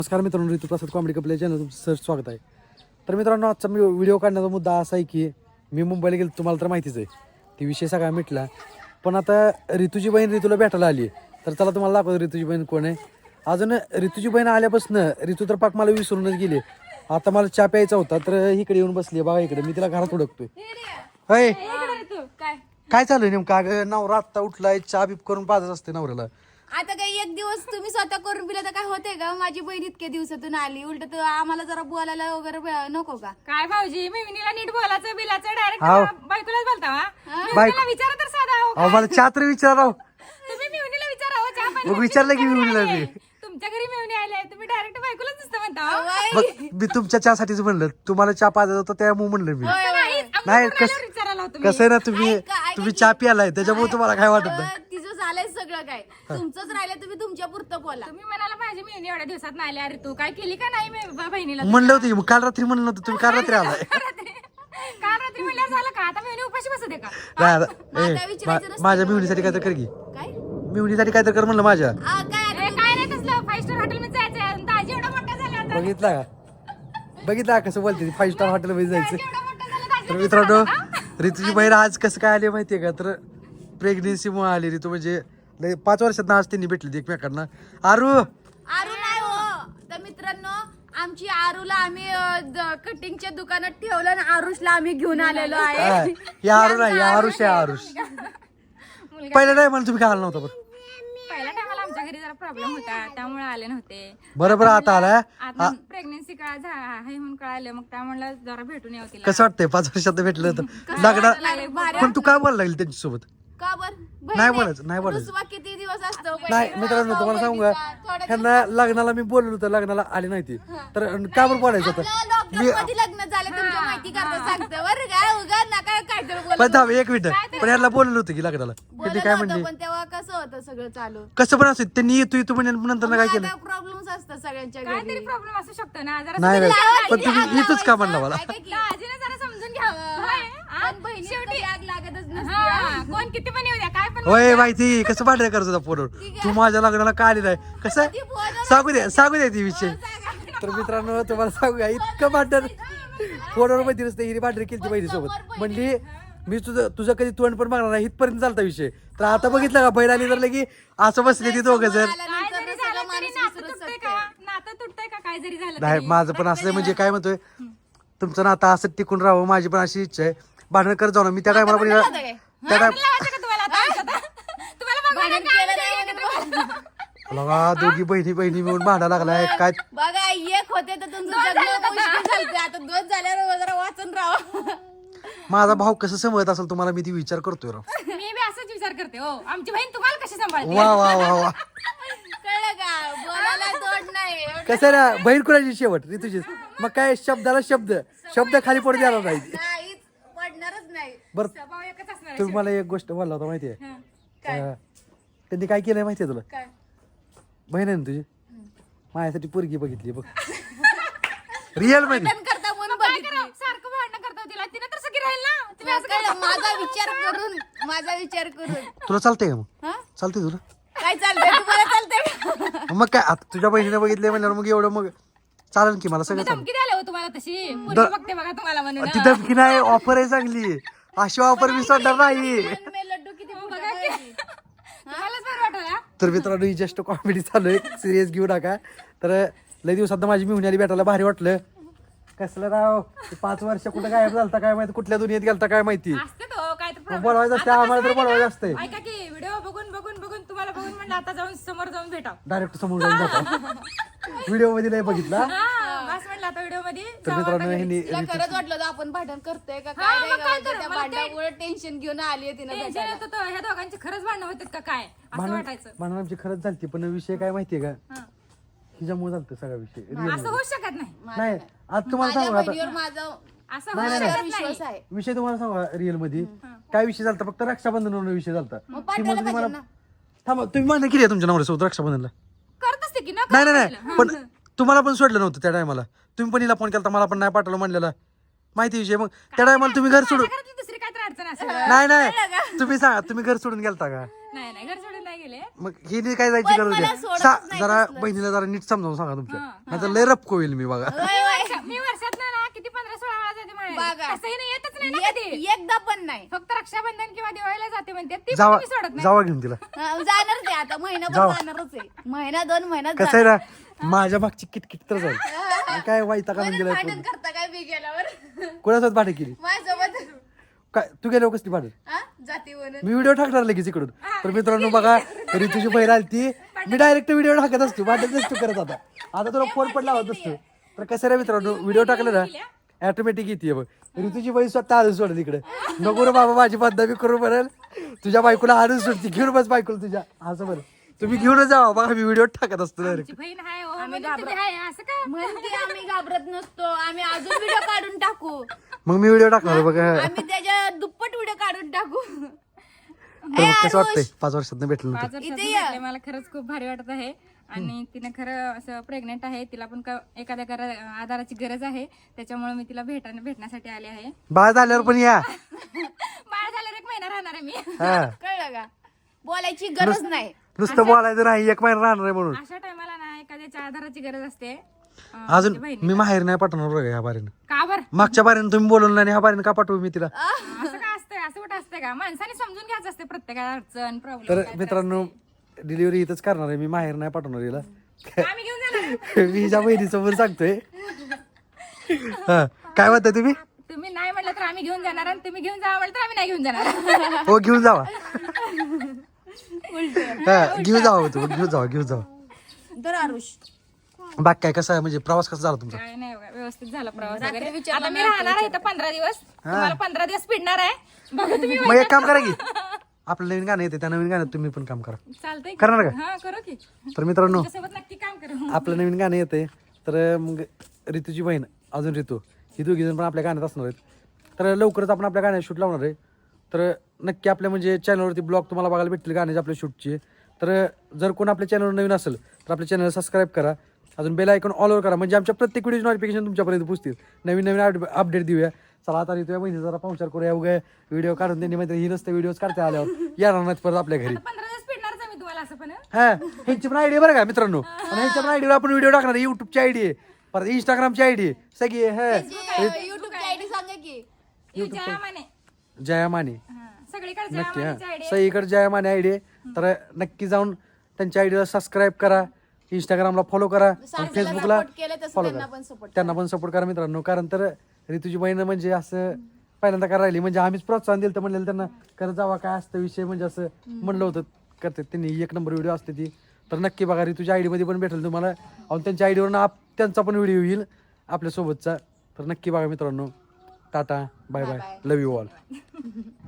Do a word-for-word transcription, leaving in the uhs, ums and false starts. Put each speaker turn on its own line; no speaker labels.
नमस्कार मित्रांनो, Rituprasad comedy couple channel तुमचं सर स्वागत आहे. तर मित्रांनो, आजचा मी व्हिडिओ काढण्याचा मुद्दा असा आहे की मी मुंबईला गेलो, तुम्हाला तर माहितीच आहे, ती विषय सगळा मिटला. पण आता ऋतूची बहीण ऋतूला भेटायला आली आहे. तर चला तुम्हाला दाखवतो ऋतूची बहीण कोण आहे. अजून ऋतूची बहीण आल्यापासून ऋतू तर पाक मला विसरूनच गेली. आता मला चहा प्यायचा होता तर इकडे येऊन बसली बघा. इकडे मी तिला घरात उडकतोय. होय, काय चालू आहे नेमकं? अगं नवरा आत्ता उठलाय, चहा बीप करून पाजत असते नवऱ्याला.
आता काही एक दिवस तुम्ही स्वतः करून पिला तर काय होतंय का? माझी बहीण इतक्या दिवसातून आली, उलट तर आम्हाला जरा बोलायला वगैरे ब- नको का?
काय भाऊजी, मिमिनीला नीट बोलायचं बिलाचं डायरेक्ट
हाव.
बायकोलाच बोलता वा?
बायको-
मिमिनीला विचारा तर साधा हो.
अहो मला चहा तर विचारा.
तुम्ही मिमिनीला विचारा हो, चहा पाणी
मग विचारलं की मी मुलीला मी.
तुमच्या घरी मिमिनी आले, तुम्ही डायरेक्ट बायकोलाच नुसतं म्हणता हो.
होय.
बघ, मी तुमच्या चहासाठीच म्हणलं, तुम्हाला चहा पाजत होता त्यामुळे म्हणलं मी.
होय, होय.
नाही,
नाही,
आम्ही
कस-
कोणाला विचारायला होतो मी.
कसं आहे ना, तुम्ही
ऐका, ऐका
तुम्ही
की-
चहा प्यालाय त्याच्यामुळे तुम्हाला काय वाटत नाही.
अं, तिचं झालंय सगळं काय, तुमचंच राहिलं, तुम्ही तुमच्या पुरतं बोला.
तुम्ही म्हणाला माझी मिमिनी एवढ्या दिवसात नाही आली, अरे तू काय केली का नाही मी- ब- बहिणीला
म्हणलं होतं की मग काल रात्री म्हणलं नव्हतं, तुम्ही काल रात्री आलाय.
काल रात्री काल रात्री म्हणल्यावर झालं का? आता मिमिनी उपाशी बसू दे का?
नाही, आता-
माझा
ए,
विचारायचं
मा-
नसतं
माझ्या
का
मिवणीसाठी काय तर कर की.
काय
मिवणीसाठी काय तर कर म्हणलं माझ्या.
आ, काय
अरे काय नाही तसलं, फाईव्ह स्टार हॉटेल मध्ये जायचं, दाजी एवढा मोठा झाला आता.
बघितला का बघितला का कसं बोलते फाईव्ह स्टार हॉटेलमध्ये जायचं.
एवढा मोठा झाला दाजी.
तर मित्रांनो, ऋतूची बहीण आज कसं काय आली माहितीये का? तर प्रेग्नेन्सीमुळे आली ऋतू. म्हणजे लय पाच वर्षात आज त्यांनी भेटली एकमेकांना. आरू
आरू नाही हो. तर मित्रांनो, आमची आरूला आम्ही अं, द- कटिंगच्या दुकानात ठेवलं आणि आरुषला आम्ही घेऊन आलेलो
हा,
आहे.
या आरू नाही, या आरुष आहे आरुष.
मुलगा
पहिल्या नाही मला तुम्ही काय आला नव्हता बरं.
पहिल्या टायमाला आमच्या घरी जरा प्रॉब्लेम होता, त्यामुळे आले नव्हते.
बरोबर आता आलाय.
आता प्रेग्नेन्सी काळ झा- आहे म्हणून कळालं, मग त्यामुळे जरा भेटून यावं तिला.
कसं वाटतंय पाच वर्षात भेटलं तर लग्न.
भारी
पण तू काय बोलायला लागली त्यांच्यासोबत?
का बर?
नाही बोलायचं, नाही बोलायचं.
रुसवा किती दिवस असतो?
नाही मित्रांनो, तुम्हाला सांगू का,
थोड्या
ह्यांना लग्नाला मी बोललो होतं, लग्नाला आले नाही ती. तर का बरं बोलायचं होतं?
लॉकडाऊन मध्ये लग्न झालं तुमच्या माहिती करता सांगतो बरं का? उगा नका काहीतरी
पण
बोलत
थांब एक मिनिट, पण यांना बोललो होतं की लग्नाला. त्यांनी काय
होतं,
म्हणले?
पण तेव्हा कसं होतं सगळं चालू?
कसं पण असं त्यांनी येतो येतो म्हणजे नंतर काय केलं?
प्रॉब्लेम्स असतात सगळ्यांच्या
काहीतरी
घरी.
प्रॉब्लेम असू शकतो ना, जरा
नाही नाही,
लावायची,
पण तुम्ही
आग
इथंच का म्हणला मला?
लावायचं. ऐका की,
दाजीने जरा समजून घ्यावं. होय, हा?
पण बहिणीत कधी आग लागतच नसते.
हा, कोण किती पण येऊ द्या, काय पण
होय माहिती, कसं भांडण करत होता फोनवर. तू माझ्या लग्नाला का आली नाही? कसं
ती बोलणार
सांगू दे सांगू दे ती विषय. तर मित्रांनो, तुम्हाला सांगू का, इतकं भांडण फोनवर माहिती नसते. हिने भांडण केली बहिणीसोबत. म्हणली मी तुझं तुझं कधी तोंड पण बघणार नाही, इथपर्यंत चालता विषय. तर आता बघितलं का, बहीण आली तर लगी असं बसले ती दोघं जण.
काय
आल्यानंतर
जरी
सगळं
झालं तरी
माणूस
नातं
विसरत
तुटतंय
असतं.
का? नातं तुटतंय का? काय जरी झालं
नाही,
तरी?
माझं पण असं म्हणजे काय म्हणतोय, तुमचं नातं असं टिकून राहावं, माझी पण अशी इच्छा आहे. भांडण करत जाऊ ना. मी त्या टायमाला पण
भांडण काय?
त्या टाइम
लावायचं का तुम्हाला आता आयुष्यात? तुम्हाला बघायला
भांडण
काय
केलं
नाही
नाही
एकत्र बघायला.
लगा दोघी बहिणी बहिणी मिळून भांडा लागलाय काय.
बघा, एक होते तर तुमचं जगणं मुश्किल झालं. आता दोन झाल्यावर जरा वाचून राहा.
माझा भाऊ कसं समजत असेल तुम्हाला, मी ती विचार करतोय राव.
मी बी असंच विचार करते हो, आमची बहीण तुम्हाला कशी सांभाळते?
वा वा वा वा.
कळलं का? बोलायला तोड नाही.
कसं आहे ना, बहीण कुणाची शेवट ऋतुचीच. मग काय शब्दाला शब्द शब्द खाली पडू द्यायला नाही.
काहीच पडणारच नाही.
बरं,
स्वभाव एकच असणार आहे.
तुम्ही मला एक गोष्ट बोलला होता माहितीये.
हं.
अं, त्यांनी काय केलंय माहितीये तुला?
काय?
बहीण आहे ना तुझी, माझ्यासाठी पोरगी बघितली बघ. रिअल मध्ये.
भांडण करता म्हणून
काय
बघितली.
करावं? सारखं भांडण करता तिला, तिने तर सगळी राहील ना. तुम्ही असं
कळलं, माझा विचार करून माझा विचार करून
तुला चालतंय का मग?
हा?
चालतंय तुला?
काय चालतंय? तुम्हाला चालतंय?
मग काय, आता तुझ्या बहिणीने बघितले म्हणल्यावर मग एवढं मग चालेल की, मला सगळं चालेल.
धमकी द्यायला हो तुम्हाला तशी पोरगी बघते बघा तुम्हाला म्हणून.
ती धमकी नाही, ऑफर आहे चांगली. अशी ऑफर मी सोडणार नाही.
पण मी लड्डू किती मोठा
बघा की.
पाहिजे.
तुम्हालाच बरं वाटलं ना?
तर मित्रांनो, ही जस्ट कॉमेडी चालू आहे, सिरियस घेऊ नका. तर लय दिवसात माझी मिळून आली, भेटायला भारी वाटलं. कसलं राव, ते पाच वर्ष कुठं गायब झालता काय माहिती, कुठल्या दुनियेत गेलता काय माहिती.
असते तो काय तर problem.
बोलवायचं असतं,
आता
आम्हाला तर
कसं आहे
बोलवायचं
ना,
असतंय.
ऐका की व्हिडिओ बघून बघून बघून तुम्हाला बघून म्हणलं आता जाऊन समोर जाऊन भेटा.
डायरेक्ट समोर जाऊन जातो. व्हिडिओ मध्ये नाही बघितला.
हा, बस म्हणलं आता व्हिडिओ मध्ये
तर
जावं
मित्रांनो,
आता घरी.
ह्यांनी
तिला खरंच वाटलं होतं आपण भांडण करतोय का
हा,
काय
मग
नाही
काय
का?
तर,
त्या
मला ते-
भांडणामुळे टेन्शन घेऊन आली तिने
टेन्शन
भेटायला.
येत होतं, ह्या दोघांची खरंच भांडणं होतात का काय असं
भांडण
वाटायचं.
भांडण आमची खरंच झालती, पण विषय काय माहितीये का,
हा.
तिच्यामुळे झालतं सगळा विषय. Real
असं होऊ शकत नाही.
नाही, आज तुम्हाला
माझ्या
सांगू आता
बहिणीवर माझा
असं
नाही,
होऊ
नाही,
शकत
विश्वास
नाही.
आहे.
विषय तुम्हाला सांगा रिअल मध्ये काय विषय झालता, फक्त रक्षाबंधनावर विषय झालता.
मग
ती
पाठवायला
म्हणते
पाहिजे
मला
ना.
थांबा, तुम्ही भांडण केली आहे तुमच्या नवऱ्यासोबत रक्षाबंधनला?
करत असते की न
नाही नाही
करत
नाही, पण तुम्हाला पण सोडलं नव्हतं त्या टायमाला. तुम्ही पण हिला फोन केला, मला पण नाही पाठवलं म्हणलेला. माहिती विषय मग त्या टायमाला तुम्ही घर सोडून
घरातली दुसरी काय तर अडचण असेल
नाही नाही तुम्ही सांगा तुम्ही घर सोडून गेलता का
नाही नाही घर सोडून नाही गेले
मग हिने काय जायची
पण
गरज
मला
आहे
सोडतच
सा-
नाही
जरा
कसलं.
बहिणीला जरा नीट समजावून सांगा तुमच्या नाही तर लय रपको होईल मी बघा
होय, होय.
मी वर्षात ना किती पंधरा सोळा वेळा जाते
बघा.
माहेरी. तसंही नाही येतच नाही ना कधी
एक- एकदा पण नाही
फक्त रक्षाबंधन किंवा दिवाळीला जाते म्हणते ती पण
जावा
मी सोडत नाही
जावा घेऊन तिला
अं, जाणारच आहे आता महिनाभर
जाऊ.
जाणारच आहे महिना दोन महिन्यात
कसं आहे ना माझ्या मागची किटकिट तर जाईल आणि काय वाईटा काढून
जाणार. भांडण
गेला
करता काय मी गेल्यावर
कोणासोबत भाडे केली
माझ्यासोबत
काय तू गेल्यावर कसली भाडे
हा? जाती म्हणून
मी व्हिडिओ टाकणार लगेच इकडून तर मित्रांनो बघा तरी तुझी बहीण आली ती मी डायरेक्ट व्हिडिओ टाकत असतो वाटत नसतो करत आता आता तुला फोन पण लावत असतो तर कसं रे मित्रांनो व्हिडिओ टाकलं ना ऑटोमॅटिक येते बघ ऋतूची बहीण स्वतः आणून सोडेल इकडे नको रे बाबा माझी बदनामी करू बरं तुझ्या बायकोला आणून सोडते घेऊन बस बायकोला तुझ्या असं बरं तुम्ही घेऊनच जावा बघा मी व्हिडिओ टाकत असतो डायरेक्ट
आमची बहीण आहे हो, म्हणून तुम्ही आहे असं का
म्हणते आम्ही घाबरत नसतो आम्ही अजून व्हिडिओ काढून टाकू
मग मी व्हिडिओ टाकणार बघा
आम्ही त्याच्या दुप्पट व्हिडिओ काढून टाकू
तर मग कसं वाटतंय पाच वर्षात भेटलं
पाच
नव्हतं
वर्षात
इथे ये.
भेटले, मला खरंच खूप भारी वाटत आहे आणि तिने खरं असं प्रेग्नेंट आहे तिला पण का- एखाद्या घरा आधाराची गरज आहे त्याच्यामुळे मी तिला भेटा भेटण्यासाठी आले आहे
बाळ झाल्यावर पण या
बाळ झाल्यावर एक महिना राहणार आहे मी
हा
कळलं का बोलायची गरज नाही
नुसतं बोलायचं नाही एक महिना राहणार आहे म्हणून
अशा टायमाला ना एखाद्याच्या आधाराची गरज असते अं,
अजून
म्हणजे बहिणी
मी माहेर नाही पाठवणार बघा ह्या बारीनं
का बरं
मागच्या बारीनं तुम्ही बोलवलं नाही ह्या बारीनं का पाठवू मी तिला
असं का असतंय असं कुठं असतं का माणसाने समजून घ्यायचं असते प्रत्येकाला अडचण
तर
प्रॉब्लेम
मित्रांनो डिलिव्हरी इथंच करणार आहे मी माहेर नाही पाठवणार हिला
आम्ही घेऊन जाणार
मी हिच्या बहिणीसमोर सांगतोय हा काय म्हणताय तुम्ही
तुम्ही नाही म्हटलं तर आम्ही घेऊन जाणार आणि तुम्ही घेऊन जावा म्हटलं तर आम्ही नाही घेऊन जाणार
हो घेऊन जावा हा घेऊन जावा तू घेऊन जावा घेऊन जावा
तर आरुष
बाकी काय कसं आहे म्हणजे प्रवास कसा झाला तुमचा
काय नाही बघा, व्यवस्थित झाला प्रवास
रात्री
वगैरे
विचारलं
आता मी
नाही,
राहणार आहे इथं पंधरा दिवस तुम्हाला पंधरा दिवस पिडणार आहे बघा तुम्ही
मग एक काम करा की आपलं नवीन गाणं येते त्या नवीन गाण्यात तुम्ही पण काम करा
चालतंय की?
करणार का?
हा करू की
तर मित्रांनो
तुझ्यासोबत नक्की काम करू
आपलं नवीन गाणं येते तर मग ऋतूची बहीण अजून ऋतू ही दोघी जण पण आपल्या गाण्यात असणार आहेत तर लवकरच आपण आपल्या गाण्यात शूट लावणार आहे तर नक्की आपल्या म्हणजे चॅनलवरती ब्लॉग तुम्हाला बघायला भेटतील गाण्याचे आपल्या शूटचे तर जर कोण आपल्या चॅनलवर नवीन असेल तर आपल्या चॅनलला सबस्क्राईब करा अजून बेल आयकॉन ऑल ओवर करा म्हणजे आमच्या प्रत्येक व्हिडिओ नोटिफिकेशन तुमच्यापर्यंत पोहोचतील नवीन नवीन अपडेट देऊया चला आता ऋतू बहिणी जरा पाहुणचार करूया उगा व्हिडिओ काढून त्यांनी माहिती ही नसते व्हिडिओज काढता आल्यावर येणार नाहीत परत आपल्या घरी
पंधरा दिवस पिडणारच आहे मी तुम्हाला असं पण
हा ह्यांची पण आयडी बरं का मित्रांनो आणि ह्यांच्या पण आयडीवर आपण व्हिडिओ टाकणार आहे युट्यूबची आयडी आहे परत इंस्टाग्रामची आयडी आहे सगळी आहे
युट्यूबची आयडी सांगा की
ही जया माने
जया माने
हा, सगळीकडे जया
नक्की हा
मानेची आयडिया
सगळीकडे जया माने आयडी आहे तर नक्की जाऊन त्यांच्या आयडीला सबस्क्राईब करा इंस्टाग्रामला फॉलो करा आणि फेसबुकला
सपोर्ट केलं तसं
फॉलो
त्यांना
करा
पण सपोर्ट
त्यांना पण सपोर्ट करा मित्रांनो कारण तर ऋतूची बहीण म्हणजे असं पहिल्यांदा करायला राहिली म्हणजे आम्हीच प्रोत्साहन दिलं तर म्हणलेलं त्यांना करत जावा काय असतं विषय म्हणजे असं म्हणलं होतं करते त्यांनी एक नंबर व्हिडिओ असते ती तर नक्की बघा ऋतूच्या आयडी मध्ये पण भेटेल तुम्हाला आणि त्यांच्या आयडीवरून आप त्यांचा पण व्हिडिओ येईल आपल्यासोबतचा तर नक्की बघा मित्रांनो tata bye bye love you all